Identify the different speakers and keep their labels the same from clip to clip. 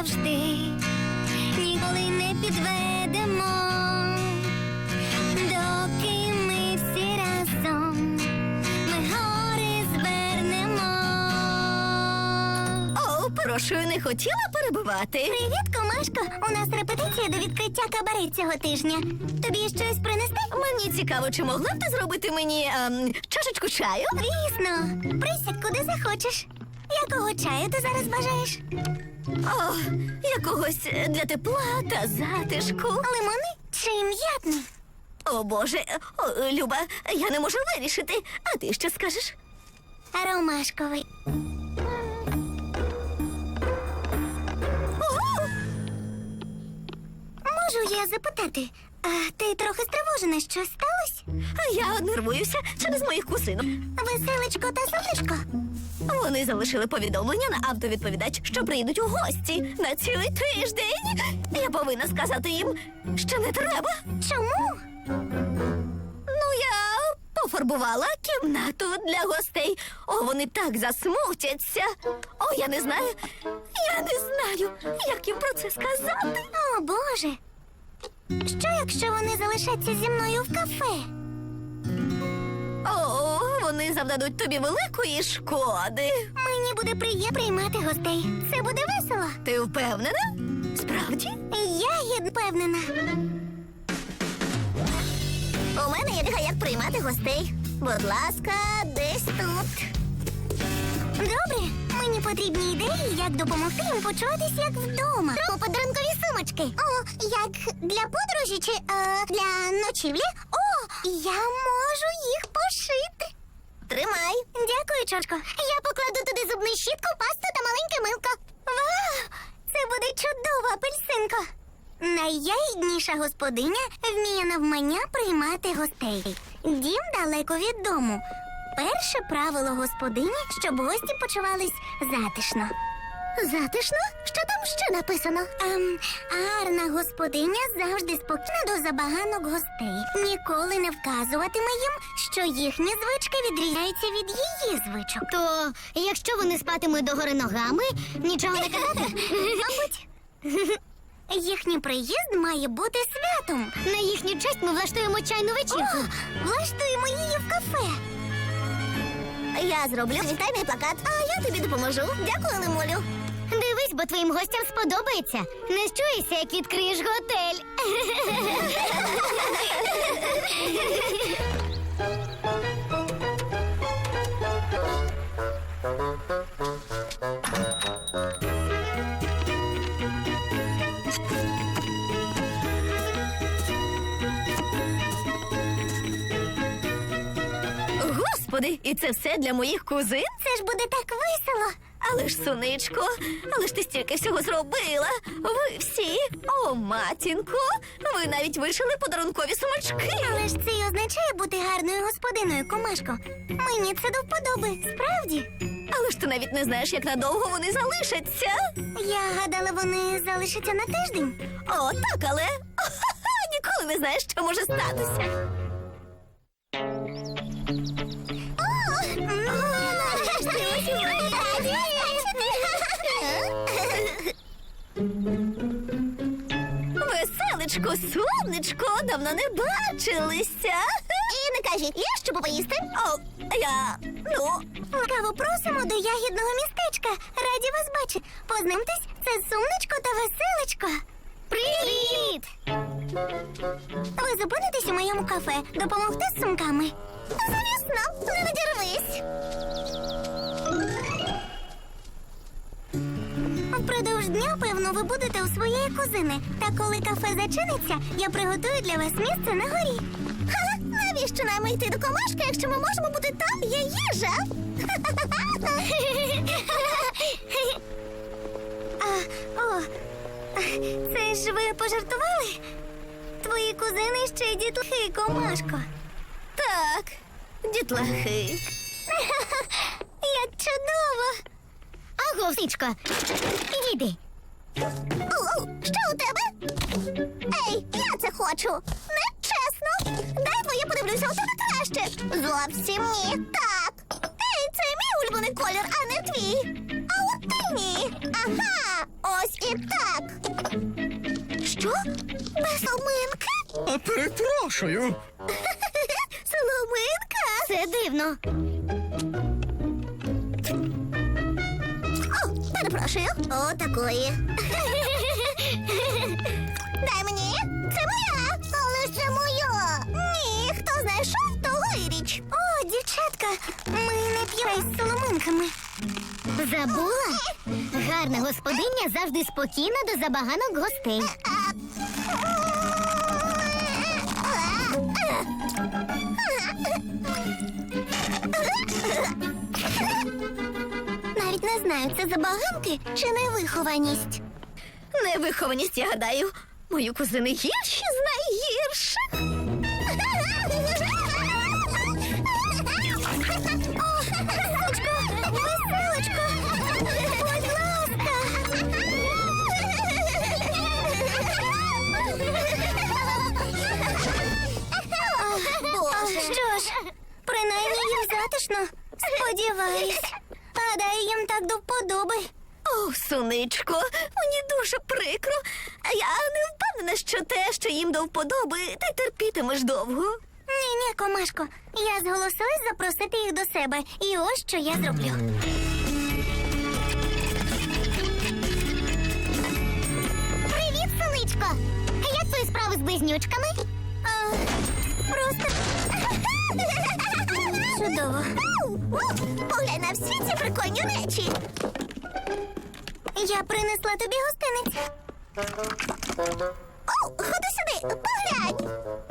Speaker 1: завжди, ніколи не підведемо, доки ми всі разом, ми гори звернемо.
Speaker 2: О, прошу, не хотіла перебивати.
Speaker 1: Привіт, комашко! У нас репетиція до відкриття кабаре цього тижня. Тобі щось принести?
Speaker 2: Мені цікаво, чи могла б ти зробити мені чашечку чаю?
Speaker 1: Звісно. Присядь куди захочеш. Якого чаю ти зараз бажаєш?
Speaker 2: О, якогось для тепла та затишку.
Speaker 1: Лимонний чи м'ятний?
Speaker 2: О, Боже, Люба, я не можу вирішити. А ти що скажеш?
Speaker 1: Ромашковий. Можу я запитати, а ти трохи стривожена, що сталося?
Speaker 2: Я нервуюся через моїх кузинок.
Speaker 1: Веселечко та сонечко?
Speaker 2: Вони залишили повідомлення на автовідповідач, що прийдуть у гості на цілий тиждень. Я повинна сказати їм, що не треба.
Speaker 1: Чому?
Speaker 2: Ну, я пофарбувала кімнату для гостей. О, вони так засмутяться. О, я не знаю, як їм про це сказати.
Speaker 1: О, Боже. Що, якщо вони залишаться зі мною в кафе?
Speaker 2: О, вони завдадуть тобі великої шкоди.
Speaker 1: Мені буде приємно приймати гостей. Це буде весело.
Speaker 2: Ти впевнена? Справді?
Speaker 1: Я є впевнена.
Speaker 2: У мене є як приймати гостей. Будь ласка, десь тут.
Speaker 1: Добре, мені потрібні ідеї, як допомогти їм почуватись як вдома. Про подарункові сумочки. О, як для подорожі чи для ночівлі. О, я можу їх пошити.
Speaker 2: Тримай.
Speaker 1: Дякую, Чочко. Я покладу туди зубну щітку, пасту та маленьке милко. Вау! Це буде чудова апельсинка. Найягідніша господиня вміє навмання приймати гостей. Дім далеко від дому. Перше правило господині, щоб гості почувались затишно.
Speaker 2: Затишно? Що там ще написано?
Speaker 1: Гарна господиня завжди спокійна до забаганок гостей. Ніколи не вказуватиме їм, що їхні звички відрізняються від її звичок.
Speaker 3: То, якщо вони спатимуть догори ногами, нічого не казати?
Speaker 1: Мабуть. Їхній приїзд має бути святом.
Speaker 3: На їхню честь ми влаштуємо чайну вечірку.
Speaker 1: Влаштуємо її в кафе.
Speaker 2: Я зроблю вітальний плакат, а я тобі допоможу. Дякую, Лимулю.
Speaker 3: Дивись, бо твоїм гостям сподобається. Не щуйся, як відкриєш готель.
Speaker 2: Господи, і це все для моїх кузин?
Speaker 1: Це ж буде так весело.
Speaker 2: Але ж, сонечко, але ж ти стільки всього зробила. Ви всі, о, матінко, ви навіть вишили подарункові сумочки.
Speaker 1: Але ж це й означає бути гарною господиною, комашко. Мені це до вподоби, справді.
Speaker 2: Але ж ти навіть не знаєш, як надовго вони залишаться.
Speaker 1: Я гадала, вони залишаться на тиждень.
Speaker 2: О, так, але ніколи не знаєш, що може статися. Веселечко, сонечко, давно не бачилися.
Speaker 1: І не кажіть, є що поїсти?
Speaker 2: О,
Speaker 1: Ласкаво просимо до ягідного містечка. Раді вас бачити. Познайомтесь, це Сумничко та Веселечко.
Speaker 3: Привіт!
Speaker 1: Ви зупинитесь у моєму кафе. Допомогти з сумками. Звісно, не надірвись. Впродовж дня, певно, ви будете у своєї кузини. Та коли кафе зачиниться, я приготую для вас місце на горі. Ха, навіщо нам йти до комашки, якщо ми можемо бути там? Є їжа. Це ж ви пожартували? Твої кузини ще й дітлахи, комашко.
Speaker 2: так, дітлахи.
Speaker 1: Як чудово!
Speaker 3: Аго, Сичко, йди.
Speaker 1: Що у тебе? Ей, я це хочу. Нечесно. Дай твоє подивлюся, у тебе краще. Зовсім ні. Так. Ей, це мій улюблений колір, а не твій. А от ти ні. Ага. Ось і так. Що? Без соломинки?
Speaker 4: Перепрошую.
Speaker 1: Соломинка?
Speaker 3: Це дивно.
Speaker 1: О, перепрошую. О, такої. Дай мені. Це моя. Але це моя. Ні, хто знайшов, того і річ. О, дівчатка, ми не п'ємо з соломинками.
Speaker 3: Забула? Гарна господиня завжди спокійна до забаганок гостей.
Speaker 1: Навіть не знаю, це забаганки чи невихованість.
Speaker 2: Невихованість, я гадаю. Мої кузини гірші з найгірших.
Speaker 1: Веселочко, будь ласка. Що ж, принаймні їм затишно. Сподіваюсь. Гадаю, їм так до вподоби.
Speaker 2: О, сонечко, мені дуже прикро. Я не впевнена, що те, що їм до вподоби, ти терпітимеш довго.
Speaker 1: Ні, комашко, я зголосилась запросити їх до себе. І ось що я зроблю.
Speaker 3: Привіт, сонечко! Як твої справи з близнючками?
Speaker 1: Просто чудово. Поглянь на всі ці прикольні речі. Я принесла тобі гостиниць. О, ходи сюди, поглянь.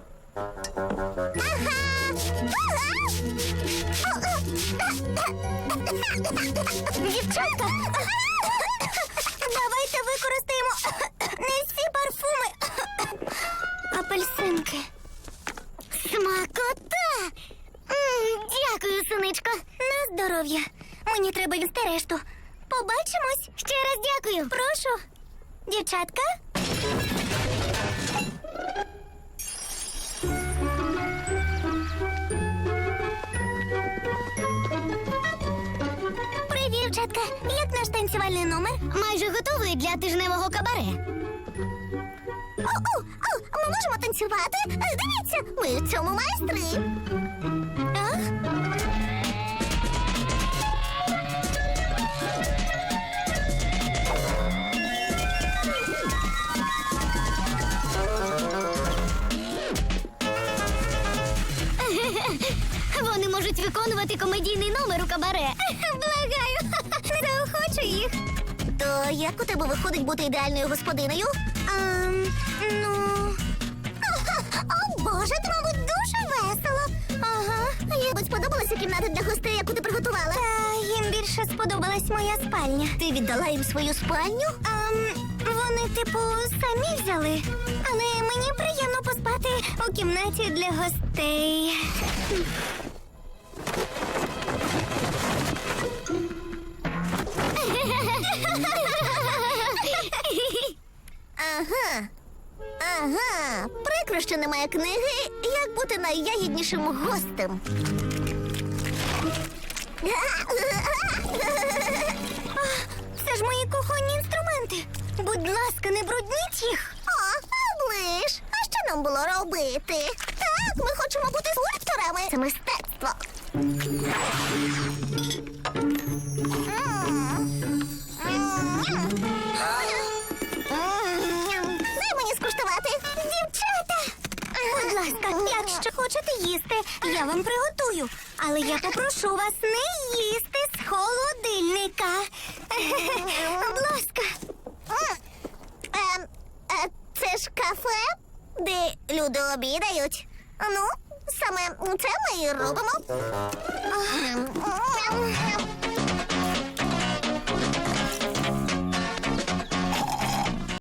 Speaker 1: Дівчатка, давайте використаємо не всі парфуми. Апельсинки.
Speaker 3: Смакота! Дякую, сонечко.
Speaker 1: На здоров'я. Мені треба їсти решту. Побачимось.
Speaker 3: Ще раз дякую.
Speaker 1: Прошу. Дівчатка. Привіт, дівчатка. Як наш танцювальний номер?
Speaker 3: Майже готовий для тижневого кабаре.
Speaker 1: Ми можемо танцювати? Дивіться, ми в цьому майстри. Ах.
Speaker 3: Вони можуть виконувати комедійний номер у кабаре.
Speaker 1: Благаю, не заохочу їх. То як у тебе виходить бути ідеальною господинею? Ну... О, Боже, це, мабуть, дуже весело. Ага. Їм сподобалася кімната для гостей, яку ти приготувала? Та їм більше сподобалась моя спальня. Ти віддала їм свою спальню? Вони, типу, самі взяли. Але мені приємно поспати у кімнаті для гостей. Ага, прикро, що немає книги «Як бути найягіднішим гостем». Це ж мої кухонні інструменти. Будь ласка, не брудніть їх. О, оближ. А що нам було робити? Так, ми хочемо бути скульпторами. Це мистецтво. Дай мені скуштувати. Дівчата! Будь ласка, якщо хочете їсти, я вам приготую. Але я попрошу вас не їсти з холодильника. Будь ласка. Це ж кафе, де люди обідають. Ну, саме це ми і робимо.